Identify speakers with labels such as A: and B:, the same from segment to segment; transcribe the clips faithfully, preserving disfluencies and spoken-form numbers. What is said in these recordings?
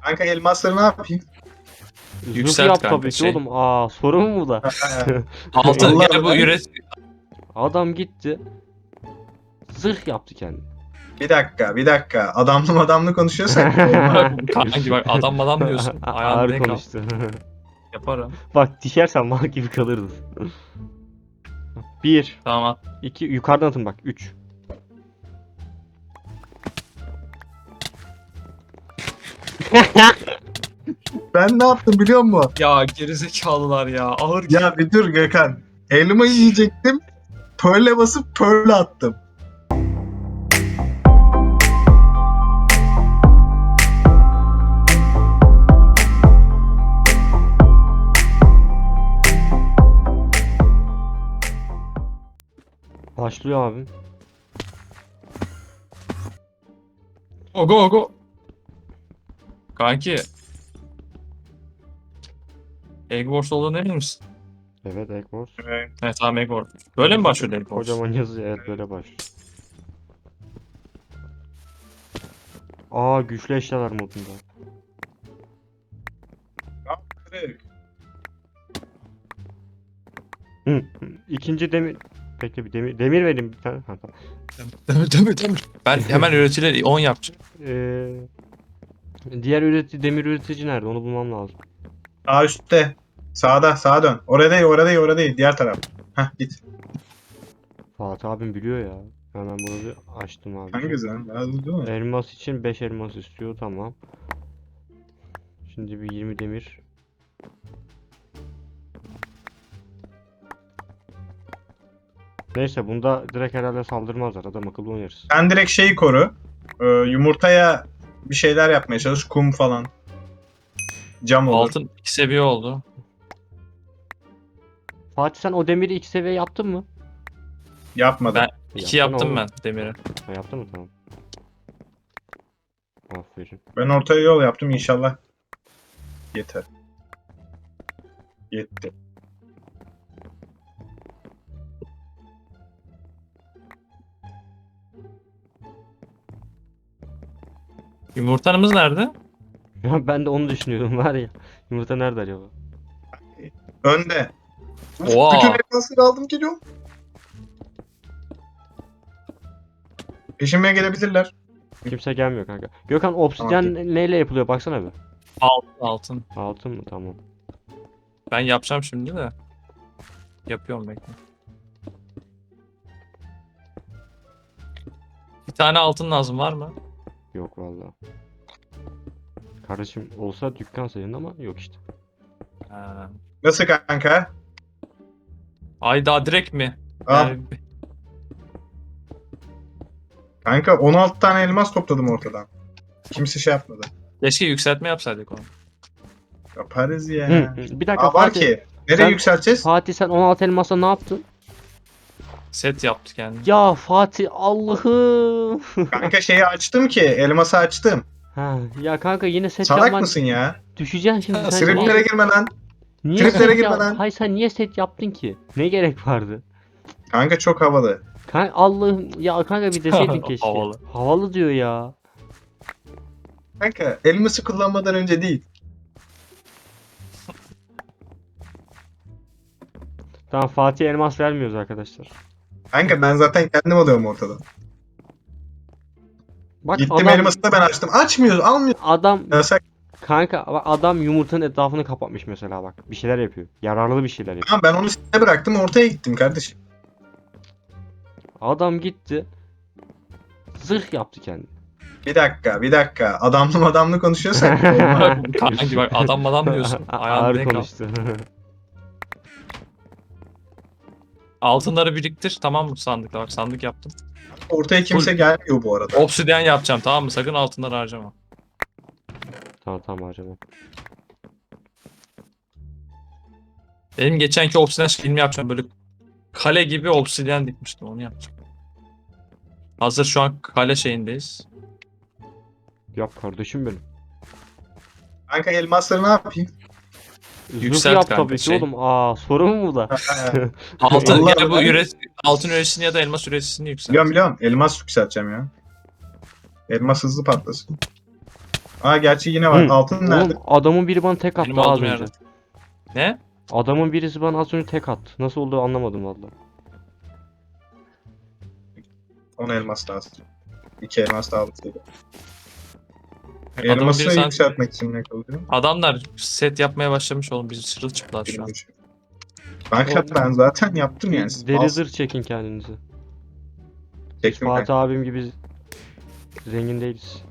A: Kanka elmasları ne yapayım?
B: Zırh
C: Yükselt
B: yap
C: kanka,
B: tabii ki
C: şey.
B: oğlum. Aa sorun mu bu da?
C: Altın
A: Allah
C: gel bu
A: Allah.
C: üret.
B: Adam gitti. Zırh yaptı kendini.
A: Bir dakika, bir dakika. Adamlı adamlı konuşuyorsak olmaz.
C: Kanki bak adam adam diyorsun. Ayağını
B: Ağır
C: denk al.
B: konuştu.
C: Yaparım.
B: Bak düşersen mal gibi kalırdın. Bir,
C: Tamam at.
B: iki, yukarıdan atın bak. Üç.
A: Ben ne yaptım biliyor musun?
C: Ya gerizekalılar ya. Ağır
A: Ya bir dur Gökhan. Elmayı yiyecektim. Pearl'e basıp Pearl'e attım.
B: Başlıyor abim.
C: Ogo ogo. Kanki. Egg Wars olduğunu emin misin?
B: Evet, Egg Wars.
A: Evet.
C: Evet tamam Egg Wars. Böyle mi başlıyor Egg Wars?
B: Kocaman yazı, evet, böyle başlıyor. Aa, güçlü eşyalar modunda.
A: Kırık.
B: Hı. İkinci demir. Bekle, bir demir demir vereyim bir tane. Ha, tamam.
C: Demir demir demir. Ben hemen üreticileri on yapacağım.
B: Ee, diğer üretici, demir üretici nerede? Onu bulmam lazım.
A: Sağ üstte. Sağda, sağa dön. Orada değil, orada değil, orada değil. Diğer taraf. Hah git.
B: Fatih abim biliyor ya. Hemen bunu bir açtım abi.
A: Hangisi lan? Lazım değil mi?
B: Elmas için beş elmas istiyor, tamam. Şimdi bir yirmi demir. Neyse, bunda direkt herhalde saldırmazlar. Adam akıllı oynarız.
A: Sen direkt şeyi koru. Ee, yumurtaya bir şeyler yapmaya çalış. Kum falan. Cam olur.
C: Altın iki seviye oldu.
B: Fatih, sen o demiri iki seviye yaptın mı?
A: Yapmadım.
C: Ben iki
B: Yapsana
C: yaptım
B: oğlum.
C: ben demiri.
B: Ha, yaptın mı? Tamam. Aferin.
A: Ben ortaya yol yaptım inşallah. Yeter. Yetti.
C: Yumurtanımız nerede?
B: Ya ben de onu düşünüyorum var ya. Yumurta nerede acaba?
A: Önde.
C: Oha.
A: Bütün elmasları aldım geliyorum. Peşime gelebilirler.
B: Kimse gelmiyor kanka. Gökhan, obsidyen neyle yapılıyor? Baksana bir.
C: Altın altın.
B: Altın mı? Tamam.
C: Ben yapacağım şimdi de. Yapıyorum bekle. Bir tane altın lazım var mı?
B: Yok vallahi. Kardeşim olsa dükkan senin ama yok işte.
C: Ha.
A: Nasıl kanka?
C: Ay daha direkt mi?
A: Al.
C: Yani
A: Kanka on altı tane elmas topladım ortadan. Kimse şey yapmadı.
C: keşke yükseltme yapsaydık onu.
A: Yaparız ya.
B: Hı, hı. Bir dakika
A: Aa, var
B: Fatih.
A: ki. Nereye
B: Sen-
A: yükselteceğiz?
B: Fatih, sen on altı elmasla ne yaptın?
C: Set yaptık yani.
B: Ya Fatih, Allah'ım.
A: Kanka şeyi açtım ki. Elması açtım.
B: Ha, ya kanka yine set
A: Salak
B: yapman
A: mısın ya?
B: düşeceksin şimdi
C: Ha,
B: sen.
A: Triplere
B: Niye,
A: girme lan.
B: niye
A: triplere
B: set
A: girme
B: yap-
A: lan.
B: Hayır, sen niye set yaptın ki? Ne gerek vardı?
A: Kanka çok havalı.
B: Kanka Allah'ım ya, kanka bir deseydin keşke.
C: Havalı.
B: Havalı diyor ya.
A: Kanka elması kullanmadan önce değil.
B: Tamam, Fatih elmas vermiyoruz arkadaşlar.
A: Kanka ben zaten kendim alıyorum ortadan.
B: Bak
A: Gittim
B: adam,
A: elması da ben açtım. Açmıyoruz, almıyor.
B: adam
A: Yasak.
B: kanka bak, adam yumurtanın etrafını kapatmış mesela bak. Bir şeyler yapıyor. Yararlı bir şeyler yapıyor.
A: Tamam ben onu size bıraktım ortaya gittim kardeşim.
B: Adam gitti. Zırh yaptı kendini.
A: Bir dakika, bir dakika. Adamlı adamlı konuşuyorsak olmaz.
C: Kanki bak adam adam diyorsun. Ayağını
B: Ağır
C: denk al.
B: konuştu.
C: Altınları biriktir tamam mı sandıkla bak sandık yaptım.
A: Ortaya kimse gelmiyor bu arada.
C: Obsidyen yapacağım tamam mı sakın altınları harcama.
B: Tamam tamam harcama.
C: Benim geçenki obsidyen filmi yapacağım böyle kale gibi obsidyen dikmiştim onu yapacağım. Hazır şu an kale şeyindeyiz.
B: Yap kardeşim benim.
A: Kanka elmasları ne yapayım?
B: Zırh
C: Yükselt
B: yap
C: kanka,
B: tabii ki
C: şey.
B: oğlum. Aa, sorun mu bu da?
C: Altın
A: Allah
C: gel bu
A: Allah.
C: üret altın üreticisini ya da elmas üreticisini yükselt.
A: Biliyorum biliyorum. Elmas yükselteceğim ya. Elmas hızlı patlasın. Aa gerçi yine var.
B: Hı,
A: Altın nerede?
B: Oğlum adamın biri bana tek attı
C: Benim
B: az
C: olduğum
B: önce.
C: yerde. Ne?
B: Adamın birisi bana az önce tek attı. Nasıl olduğu anlamadım valla.
A: on elmas lazım. İki elmas da aldık.
C: Adamın
A: Elması
C: biri sen-
A: yükseltmek için ne kalıyor?
C: Adamlar set yapmaya başlamış oğlum. Biz çırılçıplak şu an.
A: Bilmiyorum. Kanka ben zaten yaptım yani. Siz
B: Deri
A: al-
B: zırh çekin kendinizi.
A: çektim
B: Fatih
A: kanka.
B: abim gibi zengin değiliz.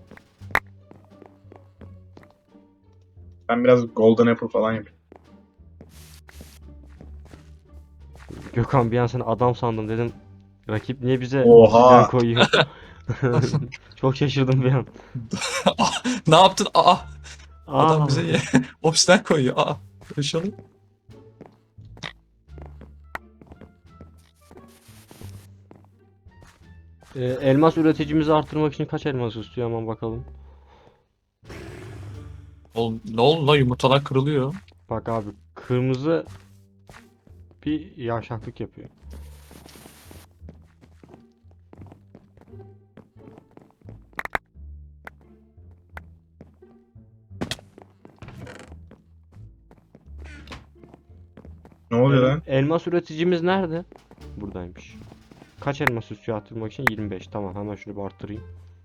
A: Ben biraz golden apple falan yapayım.
B: Gökhan bir an seni adam sandım dedim. Rakip niye bize
A: Oha!
B: obsidyen koyuyor? Çok şaşırdım bir an.
C: Ne yaptın? Aa! Adam
B: Aa,
C: bize ye- obsidian koyuyor. Aa! Böyle şey olur mu?
B: e, elmas üreticimizi arttırmak için kaç elmas istiyor hemen bakalım.
C: Oğlum ne oldu lan, yumurtalar kırılıyor.
B: Bak abi kırmızı bir yavşaklık yapıyor.
A: Ne oluyor
B: El-
A: lan?
B: elmas üreticimiz nerede? Buradaymış. Kaç elmas istiyor arttırmak için? yirmi beş. Tamam hemen şunu bir arttırayım.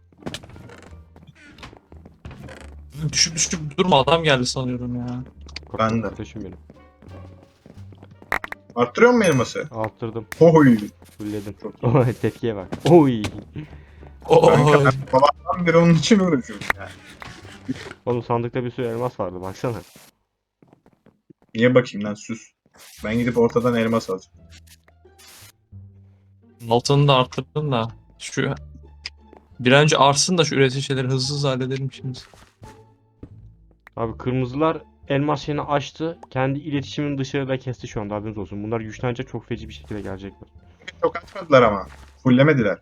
C: Düşüp düşüp durma, adam geldi sanıyorum ya.
A: Ben de.
B: Kardeşim benim.
A: Arttırıyor mu elması?
B: Arttırdım.
A: Oy!
B: Fulledim.
A: Çok iyi.
B: Oy tepkiye bak. Oy.
A: Kanka
C: Oo.
A: ben babamdan beri onun için uğraşıyorum yani.
B: Oğlum sandıkta bir sürü elmas vardı baksana.
A: Niye bakayım lan sus. Ben gidip ortadan elmas alacağım.
C: Altını da arttırdım da. Şu bir an önce artsın da şu üretici şeyleri hızlı hızlı halledelim şimdi.
B: Abi kırmızılar elmas şeyini açtı. Kendi iletişimini dışarıda kesti şu anda haberiniz olsun. Bunlar güçlenecek çok feci bir şekilde gelecekler.
A: Çok açmadılar ama. Fullemediler.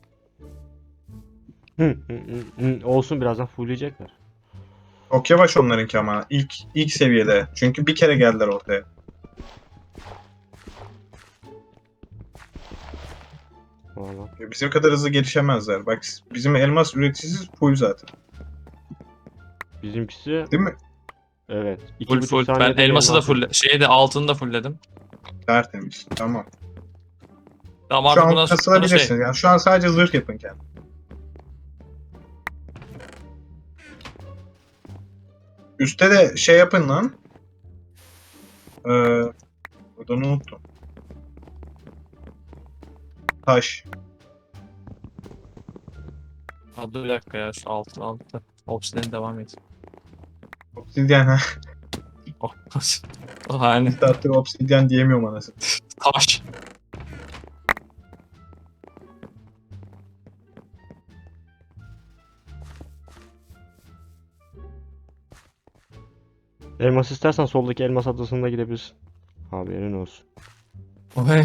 B: Hı, hı, hı, hı. Olsun birazdan fullleyecekler.
A: Çok yavaş onlarınki ama. İlk, ilk seviyede. Çünkü bir kere geldiler ortaya.
B: Valla.
A: Bizim kadar hızlı gelişemezler. Bak bizim elmas üreticisi full zaten.
B: Bizimkisi
A: Değil mi?
B: evet. iki
C: Full
B: buçuk
C: full. Ben
B: saniyede
C: elması da
B: elmas-
C: full, şeyi de altını da fullledim.
A: Tertemiz. Tamam.
C: Tamam
A: Şu
C: artık
A: an
C: bundan sonra
A: kasılabilirsiniz.
C: şey.
A: Yani şu an sadece zırh yapın kendi. Üste de şey yapın lan. Ee, Buradan unuttum. Taş.
C: Aa, dur bir dakika ya, şu altı altı. Obsidian devam et.
A: Obsidyen ha.
C: Oh. Yani
A: Bir saattir obsidyen diyemiyorum anasını.
C: taş.
B: Elmas istersen soldaki elmas adasına gidebilirsin. Haberin olsun.
C: Oy.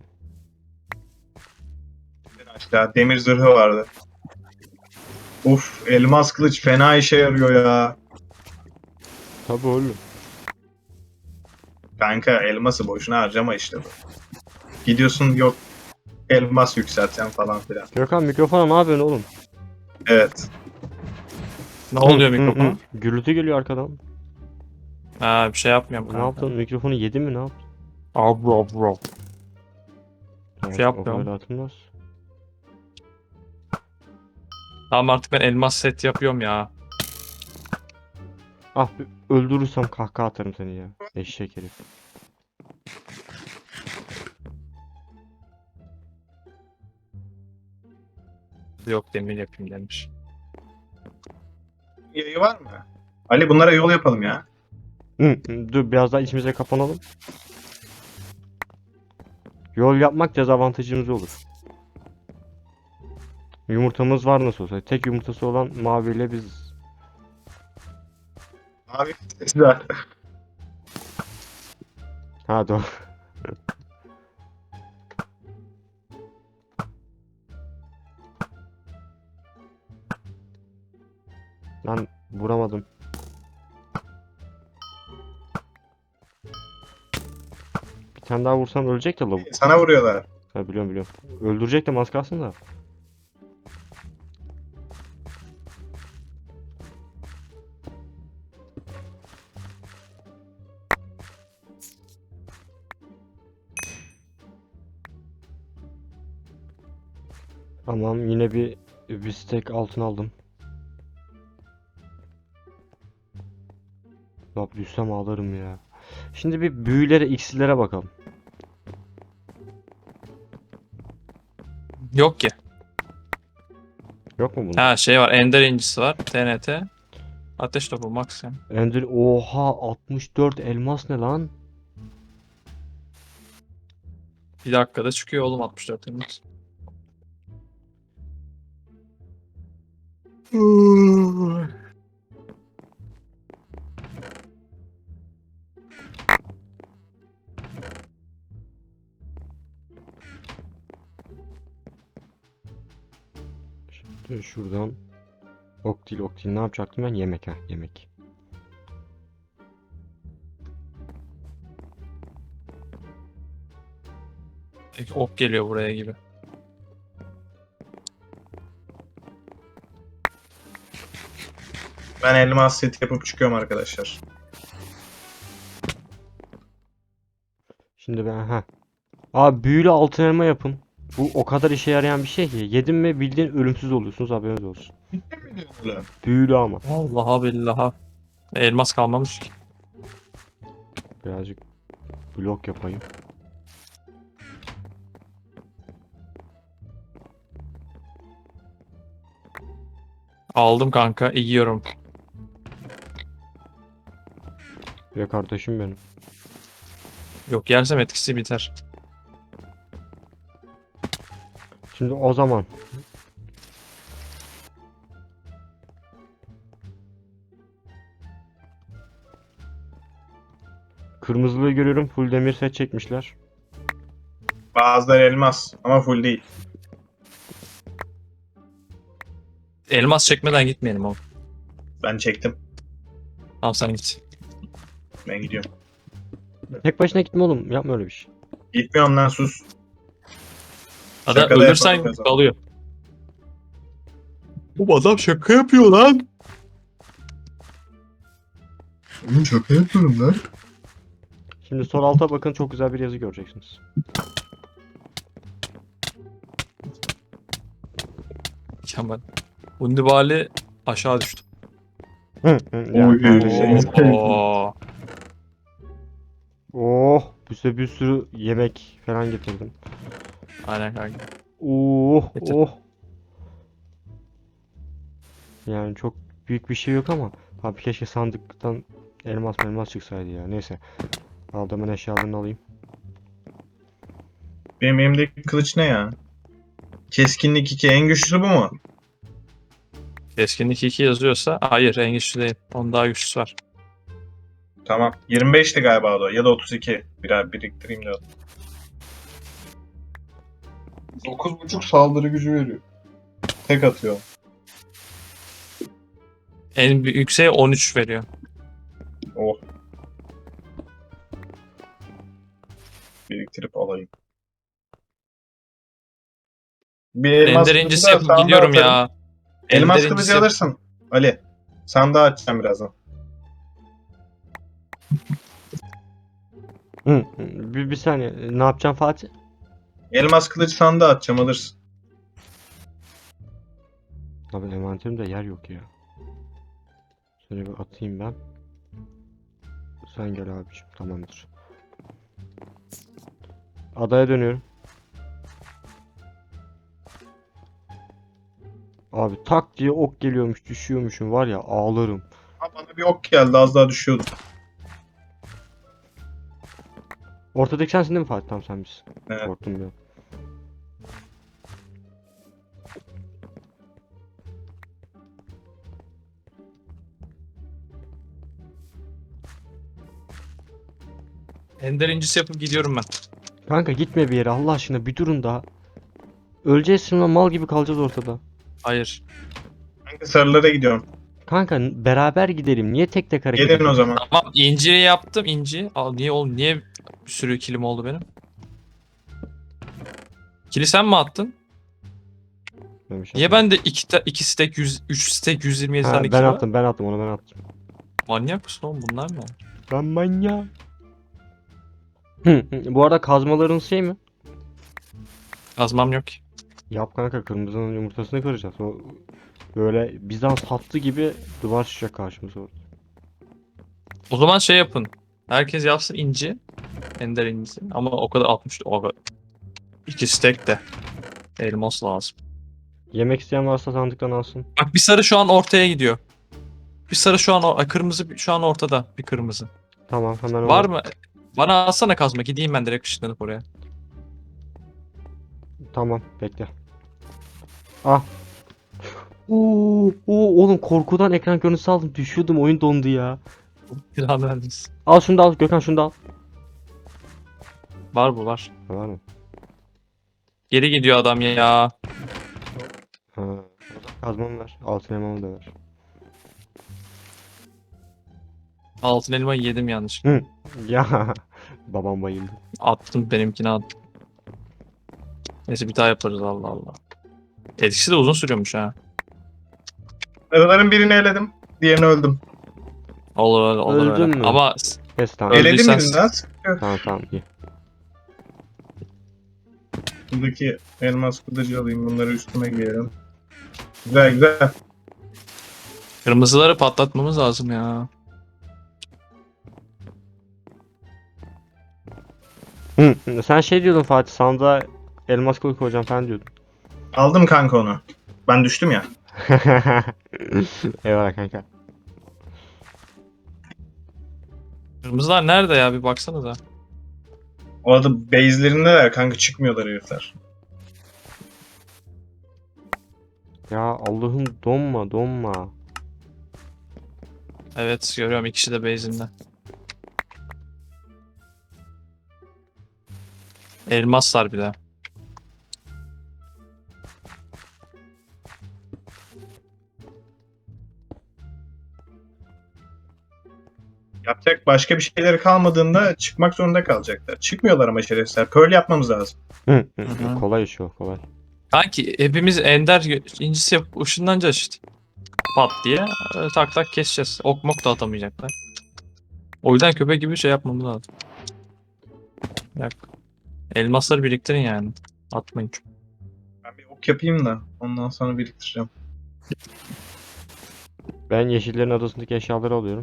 A: Aşağı demir zırhı vardı. Uf, elmas kılıç fena işe yarıyor ya.
B: Tabii oğlum.
A: Kanka elması boşuna harcama işte bu. Gidiyorsun yok elmas yükselteceğim falan filan.
B: Gökhan mikrofona ne yapıyorsun oğlum?
A: Evet.
C: Ne oluyor
B: Hı, hı,
C: mikrofona?
B: hı. Gürültü geliyor arkadan.
C: Ha, bir şey yapmıyorum
B: Ne
C: kanka.
B: yaptın? Mikrofonu yedin mi ne yaptın?
C: Abro abro.
B: Tamam,
C: şey yapmıyorum.
B: o böyle atılmaz.
C: Tamam artık ben elmas set yapıyorum ya.
B: Ah bir öldürürsem kahkaha atarım seni ya. Eşek herif.
C: Yok, demir yapayım demiş.
A: Yayı var mı? Ali bunlara yol yapalım ya.
B: Hı, hı, dur biraz daha içimize kapanalım. Yol yapmak dezavantajımız olur. Yumurtamız var nasıl olsa. Tek yumurtası olan maviyle biz.
A: Abi güzel.
B: Ha doğru. Lan vuramadım. Bir tane daha vursam ölecek de lavuk.
A: Sana vuruyorlar.
B: Ha biliyorum biliyorum. Öldürecektim az kalsın da. Tamam, yine bir bir stack altın aldım. Bak düşsem ağlarım ya. Şimdi bir büyülere, iksirlere bakalım.
C: Yok ki.
B: Yok mu bunda?
C: Ha şey var. Ender incisi var. T N T. Ateş topu max yani.
B: Ender, oha, altmış dört elmas ne lan?
C: Bir dakikada çıkıyor oğlum altmış dört elmas.
B: Şimdi şuradan ok değil, ok değil, ne yapacaktım ben? Yemek, ha, yemek.
C: Peki, ok geliyor buraya gibi.
A: Ben elmas set yapıp çıkıyorum arkadaşlar.
B: Şimdi ben, ha. Abi büyülü altın elma yapın. Bu o kadar işe yarayan bir şey ki. Yedin mi bildiğin ölümsüz oluyorsunuz, haberiniz olsun.
A: Öyle.
B: Büyülü ama.
C: Vallahi billahi. Elmas kalmamış ki.
B: Birazcık blok yapayım.
C: Aldım kanka. Yiyorum.
B: Ve kardeşim benim.
C: Yok yersem etkisi biter.
B: Şimdi o zaman kırmızılığı görüyorum, full demir set çekmişler.
A: Bazıları elmas ama full değil.
C: Elmas çekmeden gitmeyelim oğlum.
A: Ben çektim.
C: Tamam sen git.
A: Ben gidiyorum.
B: Tek başına gitme oğlum, yapma öyle bir şey.
A: Gitmiyorum lan, sus.
C: Ada
A: Şaka da
C: ölürsen
A: yapalım o zaman.
C: kalıyor. Bu adam şaka yapıyor lan.
A: Oğlum şaka yapıyorum lan.
B: Şimdi sol alta bakın, çok güzel bir yazı göreceksiniz.
C: Kemal. Undibali aşağı düştü.
B: Hı, hı, ya,
A: Oy,
B: kardeşim.
A: şey.
C: Oo.
B: Oh, bir bir sürü yemek falan getirdim.
C: Aynen kanka.
B: Oh,
C: Getir.
B: oh. Yani çok büyük bir şey yok ama abi keşke sandıktan elmas elmas çıksaydı ya. Neyse. Aldığımın eşyalarını alayım.
A: Benim elimdeki kılıç ne ya? Keskinlik iki. En güçlüsü bu mu?
C: Keskinlik iki yazıyorsa hayır en güçlü değil. Onun daha güçlüsü var.
A: Tamam. yirmi beşti galiba o da. Ya da otuz iki. Birer biriktireyim de. dokuz buçuk saldırı gücü veriyor. Tek atıyor.
C: En büyük yükseği on üç veriyor.
A: Oh. Biriktirip alayım. Bir elmas
C: Ender
A: kılıcı
C: incisi
A: da
C: yapıp
A: sandığa
C: gidiyorum
A: atarım.
C: ya.
A: Elmas
C: Ender
A: kılıcı
C: incisi yap-
A: alırsın. Ali. Sandığa açacağım birazdan.
B: Hı, hı, bir, bir saniye. Ne yapacağım Fatih?
A: Elmas kılıcı sandığa atacağım, alırsın.
B: Abi envanterimde yer yok ya. Şöyle bir atayım ben. Sen gel abiciğim. Tamamdır. Adaya dönüyorum. Abi tak diye ok geliyormuş, düşüyormuşum var ya, ağlarım.
A: Ha, bana bir ok geldi, az daha düşüyordum.
B: Ortadaki sensin değil mi Fatih? Tamam, sen misin.
A: Evet.
B: Korktum ya.
C: Ender incisi yapıp gidiyorum ben.
B: Kanka gitme bir yere Allah aşkına, bir durun daha. Öleceğiz şimdi, mal gibi kalacağız ortada.
C: Hayır.
A: Hangi sarılara gidiyorum?
B: Kanka beraber gidelim. Niye tek tek hareket
A: Gelin o
B: ediyoruz?
A: zaman.
C: Tamam inciyi yaptım inci. Al niye oğlum niye bir sürü kilim oldu benim? Kili sen mi attın?
B: Ben bir şey
C: Niye
B: yapmadım.
C: bende iki, ta- iki stack yüz, üç stack yüz yirmi yedi
B: Ha,
C: tane
B: ben
C: kili var?
B: attım ben attım onu ben attım.
C: Manyak mısın oğlum bunlar ne?
B: Ben manyağım. Hı, hı. Bu arada kazmaların şey mi?
C: Kazmam yok ki.
B: Yap kanka, kırmızının yumurtasını kıracağız. O böyle Bizans hattı gibi duvar çıkacak karşımıza orada.
C: O zaman şey yapın. Herkes yapsın inci. Ender incisi. Ama o kadar altmış. O kadar. İki stack de. Elmas lazım.
B: Yemek isteyen varsa sandıktan alsın.
C: Bak bir sarı şu an ortaya gidiyor. Bir sarı şu an or- Ay, kırmızı şu an ortada. Bir kırmızı.
B: Tamam, hemen
C: Var
B: onu-
C: mı? Bana alsana kazma. Gideyim ben direkt ışınlanıp oraya.
B: Tamam, bekle. Ah. Oo, oo, oğlum korkudan ekran görüntüsü aldım. Düşüyordum, oyun dondu ya.
C: Silahını verdiniz.
B: Al şunu da al Gökhan, şunu da al.
C: Var bu var.
B: Ha, var mı?
C: Geri gidiyor adam ya.
B: Ha. O zaman kazmamı ver. Altın elmamı da ver.
C: Altın elmayı yedim yanlış.
B: Hı. Ya babam bayıldı.
C: Attım benimkini attım. Neyse bir daha yaparız Allah Allah. Etkisi de uzun sürüyormuş ha.
A: Araların birini eledim. Diğerini öldüm.
C: Olur öyle olur
B: Öldün
C: öyle.
B: mü?
C: Ama
B: Neyse tamam.
C: Öyle-
A: Eledim
C: Öldüysen-
A: birini az.
B: Tamam tamam iyi.
A: Buradaki elmas kılıcı alayım. Bunları üstüme giyerim. Güzel güzel.
C: kırmızıları patlatmamız lazım ya.
B: Hı. Sen şey diyordun Fatih, sandığa elmas kılıç koyacağım falan diyordun.
A: Aldım kanka onu. Ben düştüm ya.
B: Eyvallah kanka.
C: Kırmızılar nerede ya bir baksanıza.
A: O arada base'lerindeler kanka, çıkmıyorlar herifler.
B: Ya Allah'ım, donma donma.
C: Evet görüyorum ikisi de base'inde. Elmaslar bir de.
A: Yapacak başka bir şeyleri kalmadığında çıkmak zorunda kalacaklar. Çıkmıyorlar ama şerefsizler. Pearl yapmamız lazım.
B: Hı, hı,
C: hı.
B: kolay iş o, kolay.
C: Kanki hepimiz ender gö- incisi yapıp ışınlanacağız işte. Pat diye öyle tak tak keseceğiz. Ok mok da atamayacaklar. O yüzden köpek gibi şey yapmamız lazım. Yak. Elmasları biriktirin yani. Atmayın.
A: Ben bir ok yapayım da ondan sonra biriktireceğim.
B: Ben yeşillerin adasındaki eşyaları alıyorum.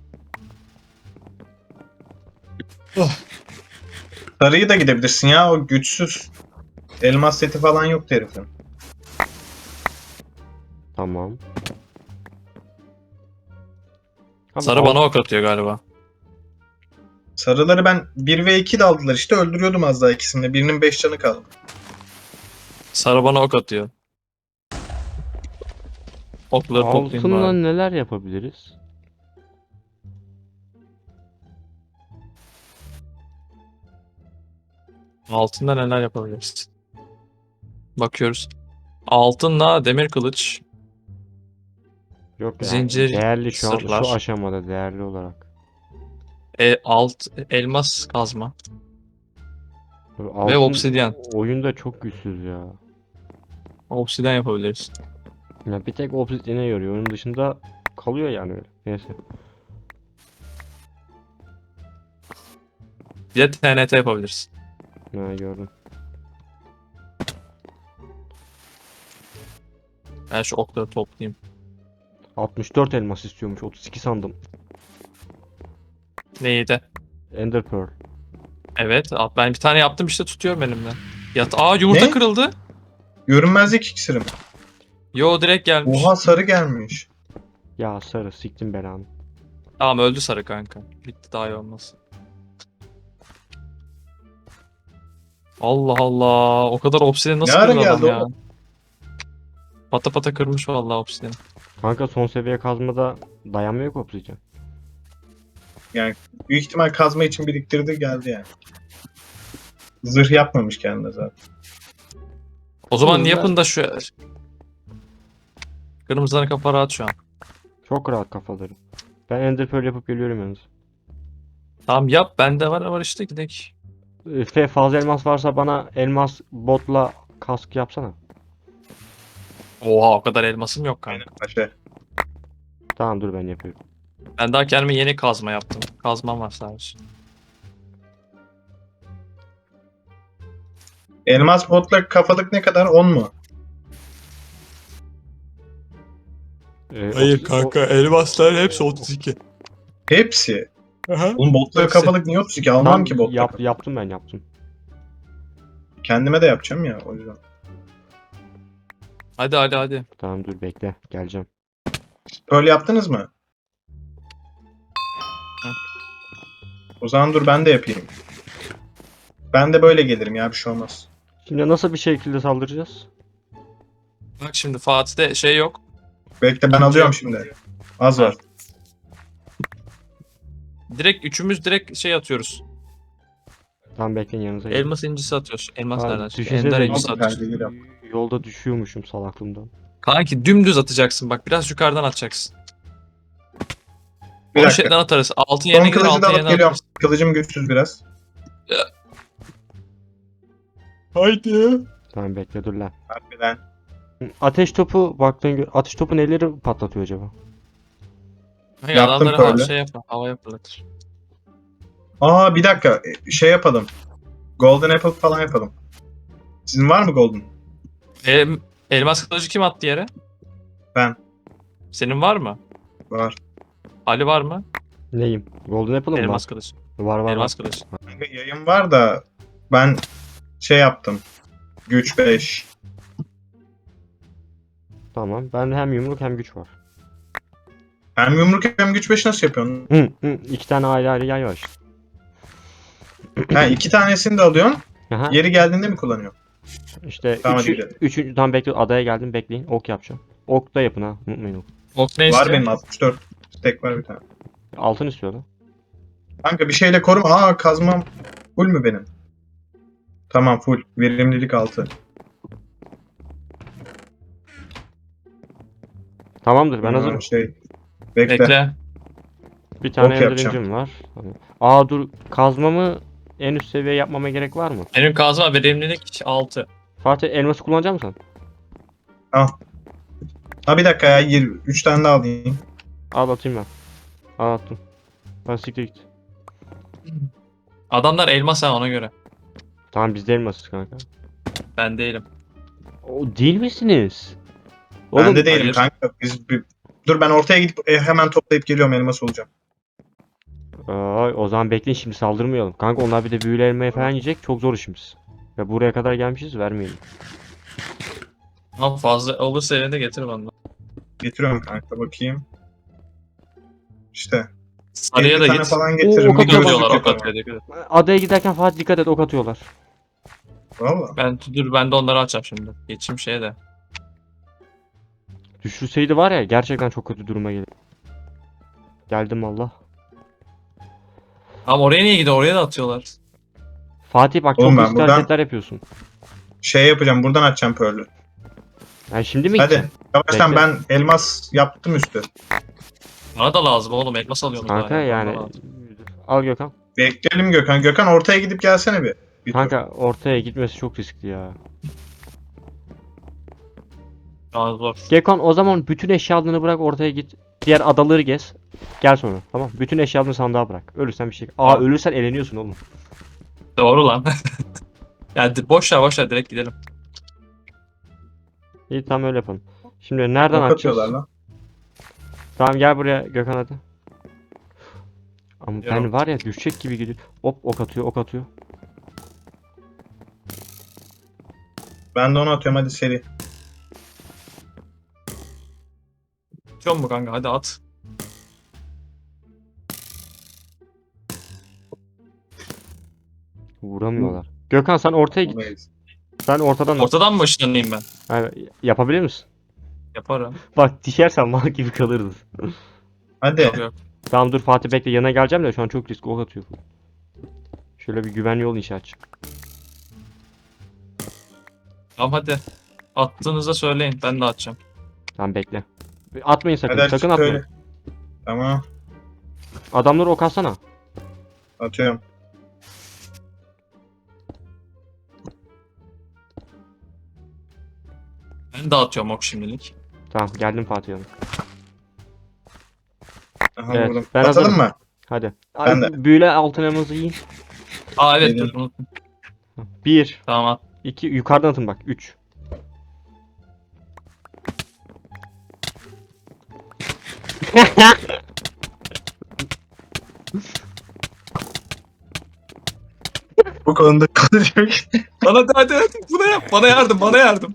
A: Sarıyı da gidebilirsin ya, o güçsüz. Elmas seti falan yok herifin.
B: Tamam. Abi,
C: Sarı
B: al-
C: bana ok atıyor galiba.
A: Sarıları ben bir ve iki de aldılar işte, öldürüyordum az daha ikisini. Birinin beş canı kaldı.
C: Sarı bana ok atıyor. Okları toplayayım
B: altınla
C: bari.
B: neler yapabiliriz?
C: Altında neler yapabiliriz? Bakıyoruz. Altınla demir kılıç.
B: Yok ya.
C: Zincir,
B: Değerli şu an
C: sırlar.
B: şu aşamada değerli olarak.
C: E, alt elmas kazma.
B: Böyle
C: Ve
B: altın
C: obsidyen.
B: oyunda çok güçsüz ya.
C: Obsidyen yapabiliriz.
B: Ya bir tek obsidyene yoruyor. Onun dışında kalıyor yani öyle. Neyse.
C: Bir de T N T yapabiliriz.
B: Ha, gördüm.
C: Ben şu okları toplayayım.
B: altmış dört elmas istiyormuş. otuz iki sandım.
C: Neydi?
B: Ender Pearl.
C: Evet. Ben bir tane yaptım işte tutuyorum elimden. Yat Aa yumurta
A: Ne?
C: kırıldı.
A: Görünmezlik iksirim.
C: Yo direkt gelmiş.
A: Oha, sarı gelmiş.
B: Ya sarı siktim belanı.
C: Tamam öldü sarı kanka. Bitti daha iyi olmasın. Allah Allah. O kadar obsidian nasıl
A: Ne ara
C: kırdı adam
A: geldi
C: ya?
A: o?
C: Pata pata kırmış vallahi obsidian.
B: Kanka son seviye kazmada dayanmıyor ki obsidyen.
A: Büyük ihtimal kazma için biriktirdi, geldi yani. Zırh yapmamış kendine zaten.
C: O zaman
B: Kırmızılar-
C: yapın da şu... Kırmızıların kafa rahat şu an.
B: Çok rahat kafaları. Ben Ender Pearl yapıp geliyorum yalnız.
C: Tamam yap bende var var işte gidelim.
B: Fe fazla elmas varsa bana elmas botla kask yapsana.
C: Oha o kadar elmasım yok kanka.
A: Aynen paşa.
B: Tamam dur, ben yapıyorum.
C: Ben daha kendime yeni kazma yaptım. Kazmam var sadece.
A: Elmas botla kafalık ne kadar? on mu?
B: Ee,
C: Hayır
B: otuz-
C: kanka elmaslar hepsi otuz iki.
A: Hepsi.
C: Aha.
A: Oğlum botla
C: Hepsi.
A: kafalık niye otuz iki?
B: o-
A: Almam
B: Tamam,
A: ki botla
B: yap,
A: kafalık.
B: yaptım ben yaptım.
A: Kendime de yapacağım ya o yüzden.
C: Hadi hadi hadi.
B: Tamam dur bekle geleceğim.
A: Böyle yaptınız mı?
C: Hı.
A: O zaman dur ben de yapayım. Ben de böyle gelirim ya, bir şey olmaz.
B: Şimdi nasıl bir şekilde saldıracağız?
C: Bak şimdi Fatih'te şey yok.
A: Bekle ben
C: İkinci
A: alıyorum
C: yok.
A: şimdi. Az
C: Ha.
A: var.
C: Direkt üçümüz direkt şey atıyoruz.
B: Tamam bekleyin yanınıza gelin.
C: Elmas incisi atıyoruz. Elmas
B: Abi,
C: nereden çıkıyor?
B: düşünsene
C: Ender
B: de
C: incisi
A: Aldım
C: atıyoruz.
A: perdeyi yap.
B: Yolda düşüyormuşum salaklığımdan.
C: Kanki dümdüz atacaksın bak. Biraz yukarıdan atacaksın.
A: Bir
C: Onu
A: dakika.
C: şeyden atarız. Altın
A: Son
C: yerine gider
A: kılıcı da
C: altın
A: alıp
C: yerine
A: geliyorum.
C: atarız.
A: Kılıcım güçsüz biraz.
C: Haydi.
B: Tamam bekle dur lan.
A: Harbiden.
B: Ateş topu baktığın gö- ateş topu neleri patlatıyor acaba?
C: Hayır,
A: Yaptım
C: adamları hava,
A: böyle.
C: şey yapma. Havaya fırlatır.
A: Aa bir dakika. Şey yapalım. Golden Apple falan yapalım. Sizin var mı Golden?
C: E, elmas kılıcı kim attı yere?
A: Ben.
C: Senin var mı?
A: Var.
C: Ali var mı?
B: Neyim? Golden Apple mı
C: Elmas
B: var?
C: kılıcı.
B: Var var
C: Elmas
B: var.
C: kılıcı.
A: Kanka yayın var da ben şey yaptım. Güç beş.
B: Tamam. Ben hem yumruk hem güç var.
A: Hem yumruk hem güç beş nasıl yapıyorsun?
B: Hı, hı, iki tane ayrı ayrı yay var.
A: Ha iki tanesini de alıyorsun.
B: Aha,
A: Yeri geldiğinde mi kullanıyorsun?
B: işte
A: Tamam, hadi
B: üçü,
A: gidelim.
B: üçüncü tam bekle adaya geldim bekleyin ok yapacağım. Ok da yapın ha unutmayın ok.
C: Ok ne
A: Var
C: istiyor?
A: benim altmış dört. Tek var bir tane.
B: Altın istiyor lan.
A: Kanka bir şeyle korum. Aa kazmam. Full mü benim? Tamam full. Verimlilik altı.
B: Tamamdır ben
A: Aa,
B: hazırım.
A: Şey. Bekle.
C: Bekle.
B: Bir tane
A: ok
B: ender
A: yapacağım.
B: incim var. Tamam. Aa dur kazmamı en üst seviye yapmama gerek var mı?
C: Benim kazma verimlilik altı.
B: Fatih elması kullanacak mısın?
A: Ha bir dakika ya. yirmi üç tane daha alayım.
B: Al atayım ben. Al attım. Ben siktir git.
C: Adamlar elmas ha ona göre.
B: Tamam biz de elmasız kanka.
C: Ben değilim.
B: O değil misiniz?
A: Ben de değilim
C: hayır.
A: kanka. Biz bir... Dur ben ortaya gidip e, hemen toplayıp geliyorum, elmas olacağım.
B: Ay, o zaman bekleyin şimdi saldırmayalım. Kanka onlar bir de büyülü elmayı falan yiyecek. Çok zor işimiz. Ya buraya kadar gelmişiz vermeyelim.
C: Ama fazla olursa elinde getir bana.
A: Getiriyorum kanka bakayım. İşte.
C: Sarıya
A: elli
C: da
A: tane
C: git.
A: falan getiririm.
B: Oo,
A: Bir
B: ok atıyorlar,
A: gözlük
C: Diyorlar ok
A: yaparım.
C: atıyor dikkat et.
B: Adaya giderken Fatih dikkat et ok atıyorlar.
A: Valla.
C: Ben dur ben de onları açacağım şimdi. Geçeyim şeye de.
B: Düşürseydi var ya gerçekten çok kötü duruma gelir. Geldim Allah.
C: Ama oraya niye gidiyor? Oraya da atıyorlar.
B: Fatih bak
A: Oğlum
B: çok
A: ben
B: riskli
A: buradan-
B: hareketler yapıyorsun.
A: Şey yapacağım. Buradan açacağım Pearl'ü.
B: Yani şimdi mi
A: Hadi.
B: gideceksin?
A: Yavaştan
B: Bekle.
A: ben elmas yaptım üstü.
C: Bana da lazım oğlum. Elmas alıyorum
B: Kanka
C: daha ya, bana
B: yani.
C: lazım.
B: Al Gökhan.
A: Bekleyelim Gökhan. Gökhan ortaya gidip gelsene bir. bir tur.
B: Kanka ortaya gitmesi çok riskli ya.
C: Daha zor.
B: Gökhan o zaman bütün eşyalarını bırak ortaya git. Diğer adaları gez. Gel sonra tamam. Bütün eşyalarını sandığa bırak. Ölürsen bir şey. Aa
C: Tamam.
B: ölürsen eleniyorsun oğlum.
C: Doğru lan. Yani di- boş ver boş ver direkt gidelim.
B: İyi tamam öyle yapalım. Şimdi nereden
A: Ok
B: açacağız?
A: atıyorlar lan.
B: Tamam gel buraya Gökhan hadi. Ama ben
C: Geliyorum.
B: var ya düşecek gibi gidiyor. Hop ok atıyor ok atıyor.
A: Ben de onu atıyorum, hadi seri.
C: Atıyor mu kanka? Hadi at.
B: Vuramıyorlar. Gökhan sen ortaya git.
A: Olmayız.
B: Sen ortadan at.
C: Ortadan mı ışınlanayım ben?
B: Yani yapabilir misin?
C: Yaparım.
B: Bak düşersen mal gibi kalırız.
A: Hadi.
C: Yok yok.
B: Tamam dur Fatih bekle yanına geleceğim de şu an çok riskli ok atıyor. Şöyle bir güvenli yol inşa edeceğim.
C: Tamam hadi. Attığınızda söyleyin. Ben de atacağım.
B: Tamam bekle. Atmayın sakın.
A: Hadi aç,
B: sakın atmayın.
A: söyle. Tamam.
B: Adamları ok atsana.
A: Atıyorum.
C: Ben de atıyorum ok şimdilik.
B: Tamam geldim Fatih yanına.
A: Aha,
B: Evet,
A: vurdum.
B: ben
A: Atalım
B: hazırım.
A: mı?
B: Hadi.
A: Ben
B: Ay, büyüle altın elması yiyin.
C: Aa evet
A: Yedim.
C: dur unuttum.
B: Bir,
C: Tamam at.
B: iki yukarıdan atın bak. üç.
A: Bu konuda konuşmak
C: Lan hadi hadi hadi. Buna yap. Bana yardım. Bana yardım.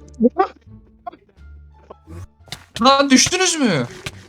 C: Lan düştünüz mü?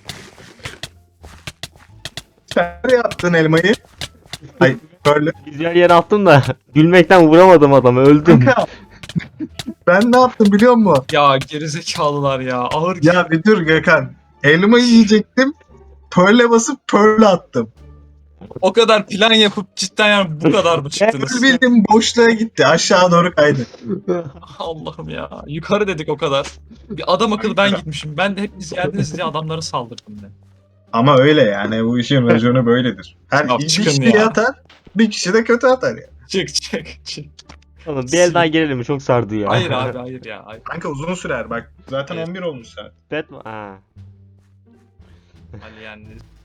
A: Sen yaptın elmayı. Ay böyle.
B: Güzel yere attım da gülmekten vuramadım adamı. Öldüm.
A: Kanka. Ben ne yaptım biliyor musun?
C: Ya gerizekalılar ya. Ağır
A: Ya bir dur Gökhan. Elmayı yiyecektim. Pearl'e basıp Pearl'e attım.
C: O kadar plan yapıp cidden yani bu kadar mı çıktınız?
A: Pearl bildiğim boşluğa gitti. Aşağı doğru kaydı.
C: Allah'ım ya. Yukarı dedik o kadar. Bir adam akıllı ben gitmişim. Ben de hepiniz geldiniz diye adamları saldırdım ben.
A: Ama öyle yani. Bu işin raconu böyledir. Her
C: Ya
A: iyi bir
C: çıkın
A: kişi
C: ya.
A: atar. Bir kişi de kötü atar ya.
C: Çık çık çık.
B: Oğlum bir el daha gelelim mi? Çok sardı ya.
C: Hayır abi hayır ya. Hayır.
A: Kanka uzun sürer bak. Zaten
C: Evet.
A: on bir olmuş saat.
B: Bet mi? Ha.
C: Hani yani